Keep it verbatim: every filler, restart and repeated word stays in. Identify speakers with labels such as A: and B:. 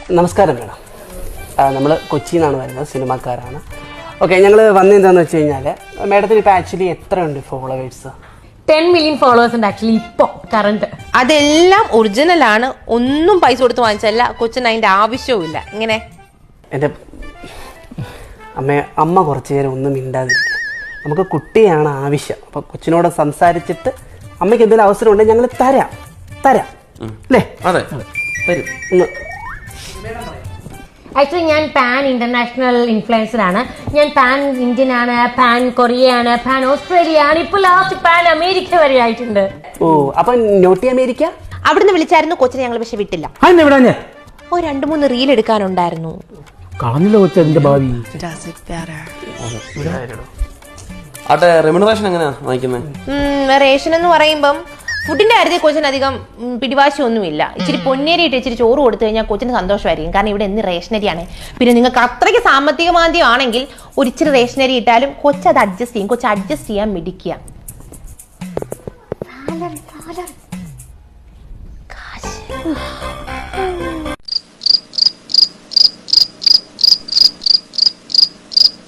A: നമസ്കാരം മേഡം. നമ്മൾ കൊച്ചിയിൽ നിന്നാണ് വരുന്നത്, സിനിമാക്കാരാണ്. ഓക്കെ, ഞങ്ങൾ വന്നെന്താണെന്ന് വെച്ച് കഴിഞ്ഞാൽ മേഡത്തിന് ഇപ്പോൾ ആക്ച്വലി എത്രയുണ്ട് ഫോളോവേഴ്സ്?
B: ടെൻ മില്യൺ ഫോളോവേഴ്സ് ഉണ്ട് ആക്ച്വലി ഇപ്പോൾ കറണ്ട്.
C: അതെല്ലാം ഒറിജിനൽ ആണ്, ഒന്നും പൈസ കൊടുത്ത് വാങ്ങിച്ചല്ല. കൊച്ചിന് അതിന്റെ ആവശ്യവും ഇല്ല. ഇങ്ങനെ
A: എൻ്റെ അമ്മ അമ്മ കുറച്ച് നേരം ഒന്നും മിണ്ടാതിരിക്കുക. നമുക്ക് കുട്ടിയാണ് ആവശ്യം. അപ്പോൾ കൊച്ചിനോട് സംസാരിച്ചിട്ട് അമ്മയ്ക്ക് എന്തെങ്കിലും അവസരം ഉണ്ടെങ്കിൽ ഞങ്ങൾ തരാം തരാം അല്ലേ?
D: അതെ,
A: തരും. ഒന്ന്
B: ആക്ച്വലി ഞാൻ പാൻ ഇന്റർനാഷണൽ ഇൻഫ്ലുവൻസർ ആണ്. ഞാൻ പാൻ ഇന്ത്യൻ ആണ്, പാൻ കൊറിയ ആണ്, പാൻ ഓസ്ട്രേലിയ ആണ്, ഇപ്പോൾ ലാസ്റ്റ് പാൻ അമേരിക്ക വരെ ആയിട്ടുണ്ട്.
A: ഓ, അപ്പം നോട്ടി അമേരിക്ക
C: അവിടുന്ന് വിളിച്ചായിരുന്നു കൊച്ചിനെ, ഞങ്ങൾ പക്ഷെ വിട്ടില്ല. ഓ രണ്ടു മൂന്ന് റീൽ എടുക്കാനുണ്ടായിരുന്നു.
E: കളഞ്ഞില്ല കൊച്ചതിന്റെ ഭാവി.
D: ആട്ടെ, റെമ്യൂണറേഷൻ എങ്ങനെയാ വാങ്ങിക്കുന്നത്?
C: റേഷൻ എന്ന് പറയുമ്പം ഫുഡിന്റെ കാര്യത്തിൽ കൊച്ചിന് അധികം പിടിവാശി ഒന്നുമില്ല. ഇച്ചിരി പൊന്നേരി ഇട്ട് ഇച്ചിരി ചോറ് കൊടുത്തു കഴിഞ്ഞാൽ കൊച്ചിന് സന്തോഷമായിരിക്കും. കാരണം ഇവിടെ എന്ന് റേഷനരിയാണ്. പിന്നെ നിങ്ങൾക്ക് അത്രയ്ക്ക് സാമ്പത്തിക മാന്ദ്യം ആണെങ്കിൽ ഒരു ഇച്ചിരി റേഷനരി ഇട്ടാലും കൊച്ചത് അഡ്ജസ്റ്റ് ചെയ്യും. കൊച്ച് അഡ്ജസ്റ്റ് ചെയ്യാൻ മിടിക്കുക. കാശ്